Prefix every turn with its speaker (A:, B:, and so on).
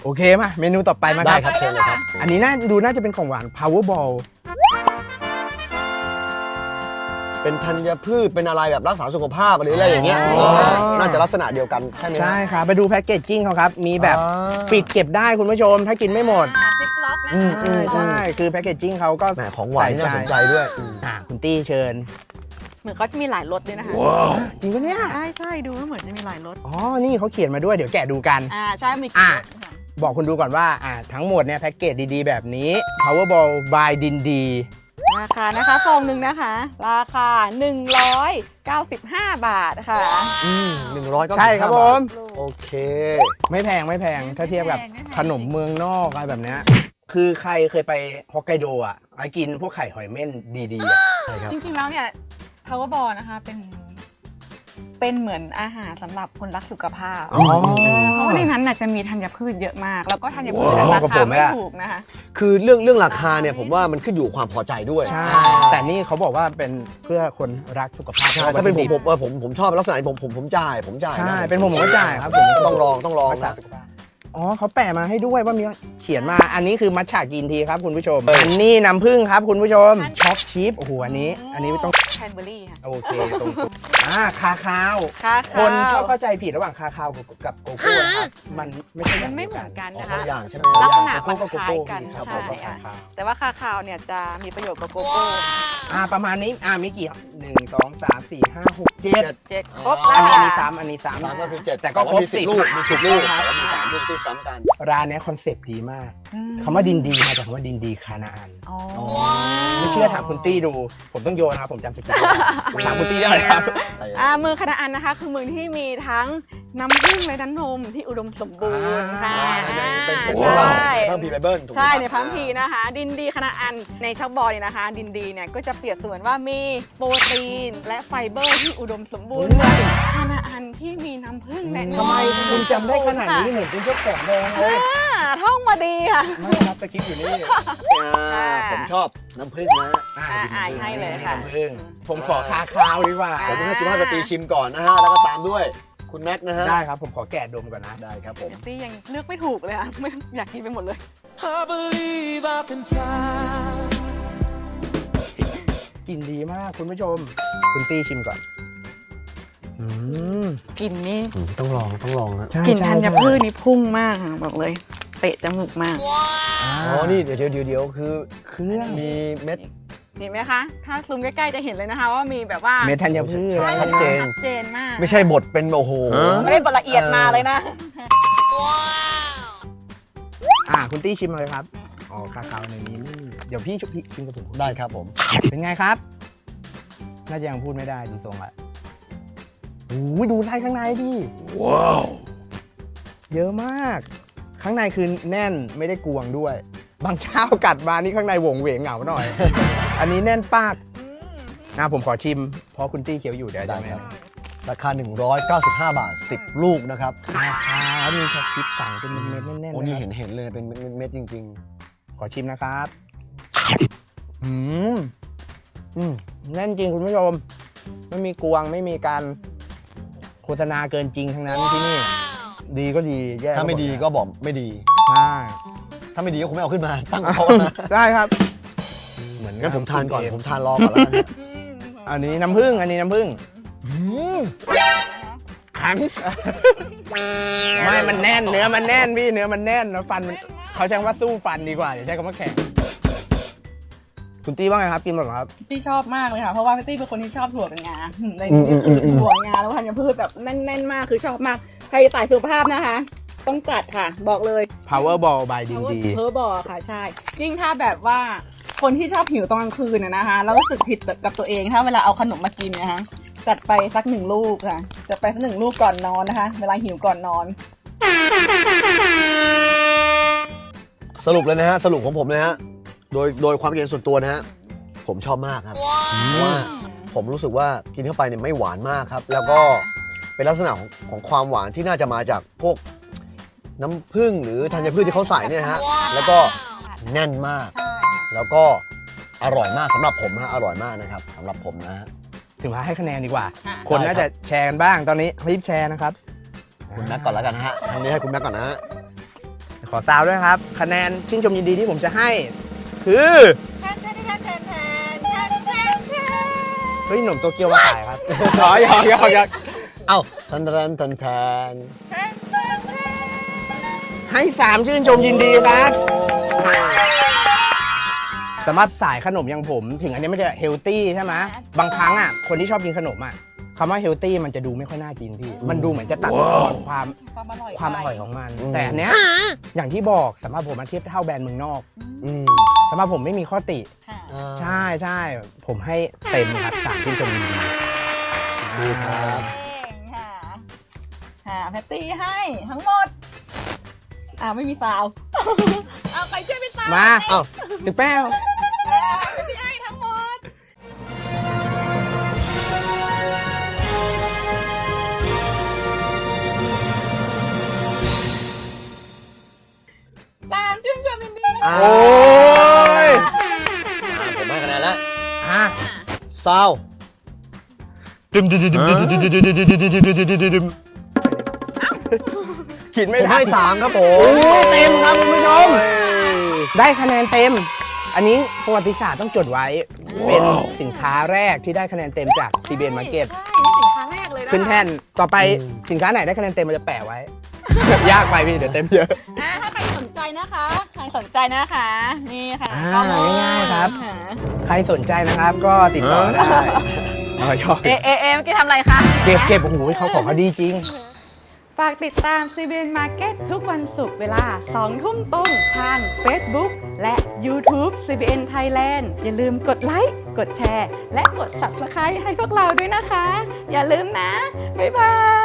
A: โอเคมาเมนูต่อไปมา
B: ได้ครับเชิญเลยครับ
A: อันนี้น่าจะเป็นของหวาน Powerball
B: เป็นธัญพืชเป็นอะไรแบบรักษาสุขภาพหรืออะไรอย่างเงี้ยน่าจะลักษณะเดียวกันใช่ไหม
A: ใช่ครับไปดูแพ็กเกจจิ้งเขาครับมีแบบปิดเก็บได้คุณผู้ชมถ้ากินไม่หมด
C: ซิปล็อกนะคะ
A: ใช่คือแพ็กเกจจิ้งเขาก็
B: แหมของหวานนี่น่าสนใจด้วย
A: คุณตี้เชิญ
C: เหมือนเขาจะมีหลายรสด้วยนะคะ
A: จริงปะเนี่ย
C: ใช่ดูแล้วเหมือนจะมีหลายรส
A: อ๋อนี่เขาเขียนมาด้วยเดี๋ยวแกะดูกัน
C: ใช่มีกี่รสค่ะ
A: บอกคุณดูก่อนว่าทั้งหมดเนี่ยแพ็กเกจดีๆแบบนี้ Powerball by ดินดี
C: ราคานะคะซองหนึ่งนะคะ ราคา 195 บาทค่ะ
B: 100ก็
A: ใช่ครับผม
B: โอเค
A: ไม่แพงถ้าเทียบกับ
C: ไม่แพง
A: ขนมเมืองนอกอะไรแบบเนี้ยคือใครเคยไปฮอกไกโดไอ้กินพวกไข่หอยเม่นดีๆ
B: ใช่ครับ
C: จริงๆแล้วเนี่ย Powerball นะคะเป็นเหมือนอาหารสำหรับคนรักสุขภาพ เพราะว่าในนั้นน่ะจะมีธัญพืชเยอะมาก แล้วก็ธัญพืชราคาไม่ถูกนะคะ
B: คือเรื่องราคาเนี่ยผมว่ามันขึ้นอยู่กับความพอใจด้วย
A: ใช่แต่นี่เขาบอกว่าเป็นเพื่อคนรักสุขภาพ
B: ใช่ถ้าเป็นผมชอบลักษณะนี้ผมจ่าย
A: ใช่เป็นผมก็จ่ายครับผม
B: ต้องลอง
A: รักษา
B: นะ
A: สุขภาพอ๋อเขาแปะมาให้ด้วยว่ามีเขียนมาอันนี้คือมัทฉะกินทีครับคุณผู้ชมอันนี้น้ำผึ้งครับคุณผู้ชมช็อกชีฟโอ้โหอันนี้ต้อง
C: แคนเบอรี่ค่ะ
A: โอเคตรงคาคาว
C: ค่ะ
A: คนชอบเข้าใจผิดระหว่างคาคาวกับโกโก้ครับมันไม่ใช่
C: มันไม่เหมือนกัน
B: อ๋อ
C: นะ
B: คน
C: คะ
B: ละอย่างใช่ไหม
C: ลักษณะ
A: โกโก้กับโกโก้
C: มันคล้ายกัน
A: ครับ
C: ใช่
A: ผมคาคาว
C: แต่ว่าคาคาวเนี่ยจะมีประโยชน์กับโกโก้
A: ประมาณนี้มีกี่1 2 3 4 5 6 7
C: 7ครบ
A: อั
C: แล้ว
A: นนี้
C: ค่ะ
A: อันนี้ซ้ำ
B: 3ก็คือ7
A: แต่ก็ครบ
B: มี
A: 10
B: ลูกมี10ลูก
A: ครับ
B: แต่ว่ามี3ลูกที่ซ้ำกัน
A: ร้านเนี้ยคอนเซปต์ดีมากคำว่าดินดีมาจากคำว่าดินดีคานาอัน
C: อ๋อ
A: ไม่เชื่อถามคุณตี้ดู ผมต้องโยนครับผมจำสกิลถามคุณตี้ได้ไหมครับ
C: เมืองคานาอันนะคะคือเมืองที่มีทั้งน้ำผึ้งและน้ำนมที่อุดมสมบูรณ์ค่ะ
B: เป็น
C: ใช่
B: เพิ่มพีไบเบิลถูกไหม
C: ใช่ในพัมพีนะคะ ดินดีคานาอันในช็อกบอลเนี่ยนะคะ ดินดีเนี่ยก็จะเปรียบเสมือนว่ามีโปรตีนและไฟเบอร์ที่อุดมสมบูรณ์คานาอันที่มีน้ำผึ้งและนม
A: ทำไมคุณจำได้ขนาดนี้เหมือนเป็นเจ้าของแบรนด์เลย
C: ท่องมาดีค่ะ
A: ไม่ครับสกิปอยู่นี่
B: ผมชอบน้ำผึ้งนะ
C: ให้เลยค่ะ
A: ผมขอคาคาวดีกว่า
B: ผมให้สุภาพสตรีชิมก่อนนะฮะ แล้วก็ตามด้วยคุณแม็กนะฮะ
A: ได้ครับผมขอแกะดมก่อนนะ
B: ได้ครับผม
C: ตี้ยังเลือกไม่ถูกเลยอะไม่อยากกินไปหมดเลย
D: I believe I can fly.
A: กลิ่นดีมากคุณผู้ชม คุณตี้ชิมก่อน
C: กลิ่นนี่
B: ต้องลองนะ
C: กลิ่นธัญพืชนี่พุ่งมากค่ะบอกเลยเตะจมูกมาก
B: อ๋อ นี่เดี๋ยวคือ
A: เครื่อง
B: มีเม็ด
C: เห็นไหมคะ ถ้าซูมใกล้ๆจะเห็นเลยนะคะว่ามีแบบว่า
A: เม็ดธัญพืช
B: ชัดเจน
C: ชัดเจนมาก
B: ไม่ใช่บดเป็นโอ้โห
C: ไม่ได้บทละเอียดมาเลยนะ
A: คุณตี้ชิมเลยครับอ๋อคาคาวในนี้ไม่มีเดี๋ยวพี่ชิมกับผม
B: ได้ครับผม
A: เป็นไงครับ น่าจะยังพูดไม่ได้ดูทรงละโอ้ยดูไส้ข้างในดิว้าวเยอะมาก ข้างในคือแน่นไม่ได้กวงด้วย บางเจ้ากัดมานี่ข้างในโหวงเหวงเหงาหน่อย อันนี้แน่นปากผมขอชิมเพราะคุณตี้เคี้ยวอยู่เดี๋ยวจะไม่
B: ราคา 195 บาท 10 ลูกนะครับ
A: คาคาวมีช็อกชิปสั่งเป็นเม็ดแน่นๆ
B: โอ้
A: นะ
B: นี่
A: ครับ
B: เห็นเลยเป็นเม็ดจริง
A: ขอชิมนะครับแน่นจริงคุณผู้ชมไม่มีกวงไม่มีการโฆษณาเกินจริงทั้งนั้นที่นี่ ดีก็ดีแย่
B: ๆ ถ้าไม่ดีก็บอกไม่ดี
A: ใช่
B: ถ้าไม่ดีก็คงไม่เอาขึ้นมาตั้งโต๊ะนะ
A: ได้ครับ เหมือน
B: งั้นผมทานก่อน ผมทานรอก่อนแล้วกันนะ
A: อันนี้น้ำผึ้งขังไม่มันแน่นเนื้อมันแน่นพี่เนื้อมันแน่นแล้วฟันมันเขาใช้คำว่าสู้ฟันดีกว่าอย่าใช้คำว่าแข็งคุณตี้ว่าไงครับกินหมดเหรอครับ
C: ตี้ชอบมากเลยค่ะ เพราะว่าพี่ตี้เป็นคนที่ชอบถั่วเป็นงาในถั่วงาแล้วธัญพืชแบบแน่นๆมากคือชอบมาก ใครสายสุขภาพนะคะ ต้องจัดค่ะ บอกเลย
A: Powerball by ดินดี
C: เพอร์บอลค่ะใช่ ยิ่งถ้าแบบว่าคนที่ชอบหิวตอนกลางคืนนะคะแล้วรู้สึกผิดกับตัวเองถ้าเวลาเอาขนมมากินนะคะจัดไปสัก1 ลูกค่ะจัดไปสัก1 ลูกก่อนนอนนะคะ เวลาหิวก่อนนอน
B: สรุปเลยนะฮะ สรุปของผมนะฮะ โดยความคิดเห็นส่วนตัวนะฮะ ผมชอบมากครับ เพราะว่าผมรู้สึกว่ากินเข้าไปเนี่ยไม่หวานมากครับ แล้วก็เป็นลักษณะของความหวานที่น่าจะมาจากพวกน้ำผึ้งหรือธัญพืชที่เขาใส่เนี่ยนะฮะ แล้วก็แน่นมาก แล้วก็อร่อยมากสำหรับผมนะอร่อยมากนะครับสำหรับผมนะฮะ
A: ถึงมาให้คะแนนดีกว่า
C: ค่ะ
A: คนน่าจะแชร์กันบ้างตอนนี้รีบแชร์นะครับ
B: คุณแม็กก่อนแล้วกันนะฮะทางนี้ให้คุณแม็กก่อนนะฮะ
A: ขขอซาวด้วยครับ คะแนนชื่นชมยินดีที่ผมจะให้ คือ เฮ้ยหนุ่มโตเกียวมาขายครับ หยอก
B: เอ้าทันทันทันทัน
A: ให้ 3 ชื่นชมยินดีครับสำหรับสายขนมอย่างผม ถึงอันนี้มันจะเฮลตี้ใช่ไหมบางครั้งอ่ะคนที่ชอบกินขนมอ่ะคำว่าเฮลตี้มันจะดูไม่ค่อยน่ากินพี่ มันดูเหมือนจะตัดทอนความอร่อยของมัน แต่อันเนี้ยอย่างที่บอกสำหรับผมมันเทียบเท่าแบรนด์เมืองนอก
B: อืม
A: สำหรับผมไม่มีข้อติ
C: ค่ะ
A: ใช่ผมให้เต็มครับ3ชื่นชมยินดี
B: ดีครับ
C: เก่งค่ะค่ะแพตตี้ให้ทั้งหมดไม่มีซาว เอาใครช่วยเป็นซาว
A: มา
B: เอ้า
A: ตึกแป้ว
C: แพตตี้ให้ทั้งหมดตามชื่นชมยินดี
B: อ่า
A: โอ้ย
B: ผมให้คะแนนแล้ว
A: ฮะ
B: ซาวดึม
A: คิดไม่
B: ผม
A: ทั
B: ให้
A: น
B: 3 ครับผ
A: โอ้
B: ม
A: เต็มครับคุณผู้ชม ได้คะแนนเต็ม อันนี้ประวัติศาสตร์ต้องจดไว้ เป็นสินค้าแรกที่ได้คะแนนเต็มจาก CBN Market
C: ใช่นี่สินค้าแรกเลยนะ
A: ขึ้นแท่น ต่อไปสินค้าไหนได้คะแนนเต็มมันจะแปะไว้ ยากไปพี่เดี๋ยวเต็มเยอะ
C: ถ้าใครสนใจนะคะ นี่ค่ะ
A: ง่ายๆครับ ใครสนใจนะครับก็ติดต่อได้เอาชอบ
C: เมื่อกี้ทำอะไรคะ
A: เก็บโอ้โหเขาของเขาดีจริง
E: ฝากติดตาม CBN Market ทุกวันศุกร์เวลา 2 ทุ่มตรงทาง Facebook และ YouTube CBN Thailand อย่าลืมกดไลค์ กดแชร์ และกด Subscribe ให้พวกเราด้วยนะคะ อย่าลืมนะ บ๊ายบาย